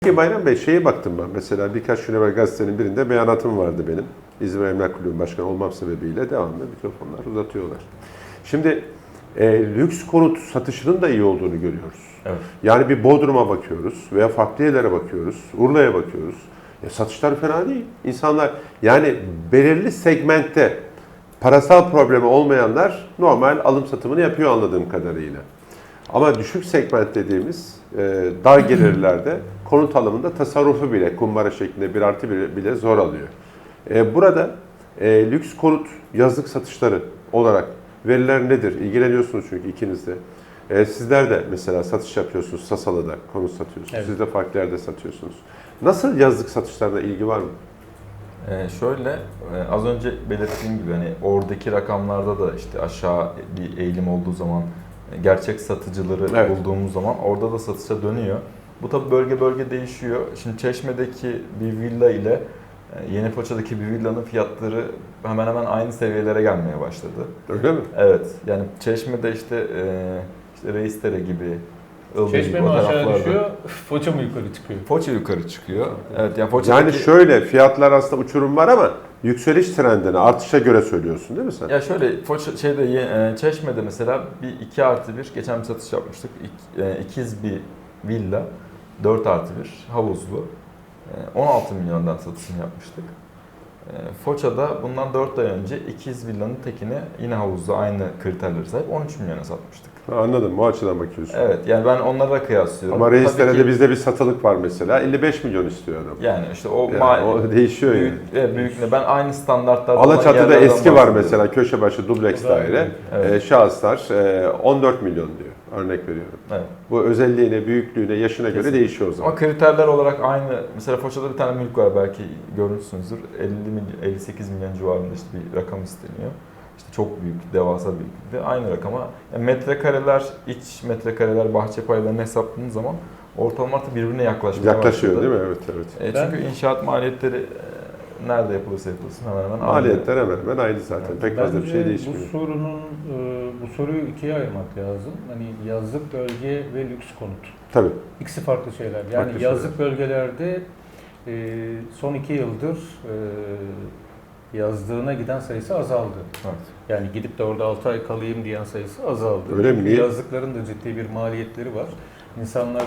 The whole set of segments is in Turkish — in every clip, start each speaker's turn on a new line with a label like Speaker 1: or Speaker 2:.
Speaker 1: Peki Bayram Bey, şeye baktım ben mesela birkaç gün evvel gazetenin birinde beyanatım vardı benim. İzmir Emlak Kulübü Başkanı olmam sebebiyle devamlı mikrofonlar uzatıyorlar. Şimdi lüks konut satışının da iyi olduğunu görüyoruz.
Speaker 2: Evet.
Speaker 1: Yani bir Bodrum'a bakıyoruz veya farklı yerlere bakıyoruz, Urla'ya bakıyoruz. Satışlar fena değil. İnsanlar yani belirli segmentte parasal problemi olmayanlar normal alım satımını yapıyor anladığım kadarıyla. Ama düşük segment dediğimiz dar gelirlerde konut alımında tasarrufu bile kumbara şeklinde 1+1 bile zor alıyor. Burada lüks konut yazlık satışları olarak veriler nedir? İlgileniyorsunuz çünkü ikiniz de. Sizler de mesela satış yapıyorsunuz, Sasalı'da konut satıyorsunuz.
Speaker 3: Evet.
Speaker 1: Siz de farklı yerde satıyorsunuz. Nasıl yazlık satışlarına ilgi var mı?
Speaker 2: Şöyle az önce belirttiğim gibi hani oradaki rakamlarda da işte aşağı bir eğilim olduğu zaman gerçek satıcıları
Speaker 1: Evet.
Speaker 2: bulduğumuz zaman orada da satışa dönüyor. Bu tabi bölge bölge değişiyor. Şimdi Çeşme'deki bir villa ile Yenipaça'daki bir villanın fiyatları hemen hemen aynı seviyelere gelmeye başladı.
Speaker 1: Öyle mi?
Speaker 2: Evet. Yani Çeşme'de işte Reisdere gibi, Ilgın
Speaker 3: Çeşme
Speaker 2: gibi
Speaker 3: mi
Speaker 2: o
Speaker 3: aşağı
Speaker 2: taraflarda.
Speaker 3: düşüyor, Foça mı yukarı çıkıyor?
Speaker 2: Foça yukarı çıkıyor. Evet, yani Foça'daki...
Speaker 1: Yani şöyle fiyatlar aslında uçurum var ama yükseliş trendini artışa göre söylüyorsun değil mi sen?
Speaker 2: Ya şöyle Çeşme'de mesela bir 2+1 geçen bir satış yapmıştık. İkiz bir villa 4+1 havuzlu. 16 milyondan satışını yapmıştık. Foça'da bundan 4 ay önce ikiz villanın tekini yine havuzlu aynı kriterlere sahip 13 milyona satmıştık.
Speaker 1: Anladım, o açıdan bakıyorsun.
Speaker 2: Evet, yani ben onlara kıyaslıyorum.
Speaker 1: Ama
Speaker 2: Tabii
Speaker 1: Reisdere'de
Speaker 2: ki-
Speaker 1: bizde bir satılık var mesela. 55 milyon istiyor adam.
Speaker 2: Yani işte o
Speaker 1: Yani o değişiyor yani.
Speaker 2: büyük ben aynı standartlarda
Speaker 1: Alaçatı'da
Speaker 2: yerlerden
Speaker 1: eski var
Speaker 2: bahsediyorum.
Speaker 1: mesela köşe başı dubleks
Speaker 3: O da
Speaker 1: daire.
Speaker 2: evet.
Speaker 1: Şahıslar 14 milyon diyor. Örnek veriyorum.
Speaker 2: Evet.
Speaker 1: Bu özelliğine, büyüklüğüne, yaşına göre
Speaker 2: Kesinlikle.
Speaker 1: değişiyor o zaman.
Speaker 2: Ama kriterler olarak aynı. Mesela Foça'da bir tane mülk var belki görmüşsünüzdür. 58 milyon civarında işte bir rakam isteniyor. İşte çok büyük, devasa büyüklükte. Aynı rakama yani metrekareler, iç metrekareler, bahçe paylarını hesapladığınız zaman ortalama artık birbirine yaklaşmaya
Speaker 1: Yaklaşıyor
Speaker 2: başladı.
Speaker 1: değil mi? Evet, evet.
Speaker 2: Çünkü inşaat maliyetleri nerede yapılırsa yapılsın hemen hemen aynı.
Speaker 1: Maliyetler hemen hemen aynı zaten. Pek fazla bir şey
Speaker 3: Bence
Speaker 1: değişmiyor.
Speaker 3: bu soruyu ikiye ayırmak lazım. Hani yazlık bölge ve lüks konut.
Speaker 1: Tabii.
Speaker 3: İkisi farklı şeyler. Yani
Speaker 1: Farklı
Speaker 3: yazlık bölgelerde son 2 yıldır yazdığına giden sayısı azaldı.
Speaker 2: Evet.
Speaker 3: Yani gidip de orada 6 ay kalayım diyen sayısı azaldı.
Speaker 1: Öyle mi?
Speaker 3: Çünkü
Speaker 1: Niye?
Speaker 3: yazlıkların da ciddi bir maliyetleri var. İnsanlar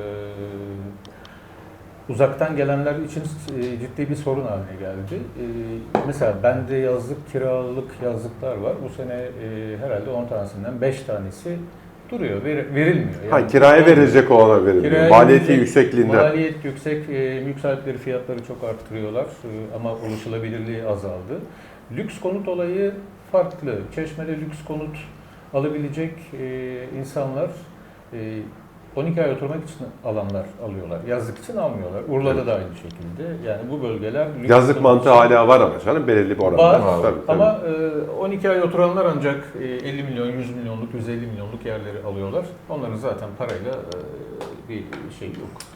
Speaker 3: uzaktan gelenler için ciddi bir sorun haline geldi. Mesela bende yazlık, kiralık yazlıklar var. Bu sene herhalde 10 tanesinden 5 tanesi duruyor, verilmiyor.
Speaker 1: Ha, kiraya verilecek olana veriliyor.
Speaker 3: Kiraya
Speaker 1: Maliyeti
Speaker 3: verilecek-
Speaker 1: yüksekliğinden.
Speaker 3: Maliyet yüksek, mülk sahipleri fiyatları çok arttırıyorlar ama ulaşılabilirliği azaldı. Lüks konut olayı farklı. Çeşme'de lüks konut alabilecek insanlar 12 ay oturmak için alanlar alıyorlar. Yazlık için almıyorlar. Urla'da
Speaker 1: Evet.
Speaker 3: da aynı şekilde. Yani bu bölgeler lüks
Speaker 1: Yazlık
Speaker 3: konut
Speaker 1: mantığı
Speaker 3: için-
Speaker 1: hala var ama canım belirli bir oranda.
Speaker 3: Var.
Speaker 1: Tabii, tabii.
Speaker 3: Ama 12 ay oturanlar ancak 50 milyon, 100 milyonluk, 150 milyonluk yerleri alıyorlar. Onların zaten parayla bir şey yok.